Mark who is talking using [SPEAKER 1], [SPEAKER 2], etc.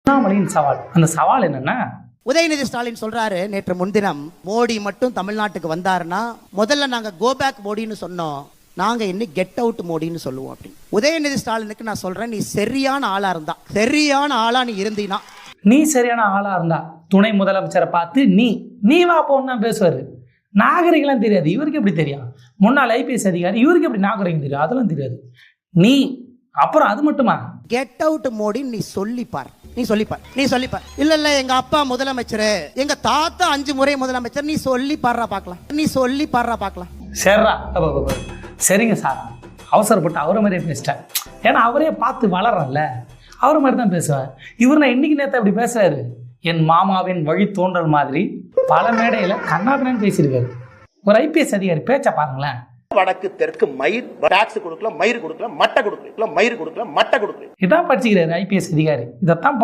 [SPEAKER 1] அண்ணாமலையின் சவால், அந்த சவால் என்னன்னா,
[SPEAKER 2] உதயநிதி ஸ்டாலின் சொல்றாரு நேற்று முன்தினம், மோடி மட்டும் தமிழ்நாட்டுக்கு வந்தாருன்னா முதல்ல நாங்க கோ பேக் மோடின்னு சொன்னோம், நாங்க இன்னும் கெட் அவுட் மோடின்னு சொல்லுவோம் அப்படின்னு. உதயநிதி ஸ்டாலினுக்கு நான் சொல்றேன், நீ சரியான ஆளா இருந்தா, சரியான ஆளா நீ இருந்தீனா,
[SPEAKER 1] நீ சரியான ஆளா இருந்தா துணை முதலமைச்சரை பார்த்து நீ வா போன்னு தான் பேசுவாரு. நாகரிகம்லாம் தெரியாது, இவருக்கு எப்படி தெரியும்? முன்னாள் ஐபிஎஸ் அதிகாரி, இவருக்கு எப்படி நாகரிகம் தெரியும்? அதெல்லாம் தெரியாது. நீ அப்புறம் அது மட்டுமா,
[SPEAKER 2] கெட் அவுட் மோடி நீ சொல்லிப்பார், நீ சொல்லிப்பார். இல்ல எங்க அப்பா முதலமைச்சர், எங்க தாத்தா 5 முறை முதலமைச்சர், நீ சொல்லி பாடுறா பார்க்கலாம்.
[SPEAKER 1] சரிடா, சரிங்க சார், அவசரப்பட்டு அவரை மாதிரியே பேசிட்டேன். ஏன்னா அவரே பார்த்து வளரல, அவரை மாதிரி தான் பேசுவேன். இவர் நான் இன்னைக்கு நேற்று அப்படி பேசுறாரு, என் மாமாவின் வழி தோன்றல் மாதிரி பல மேடையில கண்ணாபின்னு பேசியிருக்காரு. ஒரு ஐபிஎஸ் அதிகாரி பேச்ச பாருங்களேன்.
[SPEAKER 3] வடக்கு தெற்கு மயிர் டாக்ஸ் கொடுக்கல, மயிர் கொடுக்கல, மட்டை கொடுக்கல, மயிர் கொடுக்கல, மட்டை கொடுக்கல.
[SPEAKER 1] இதான் படிச்சுக்கிறாரு ஐபிஎஸ் அதிகாரி. இதைத்தான்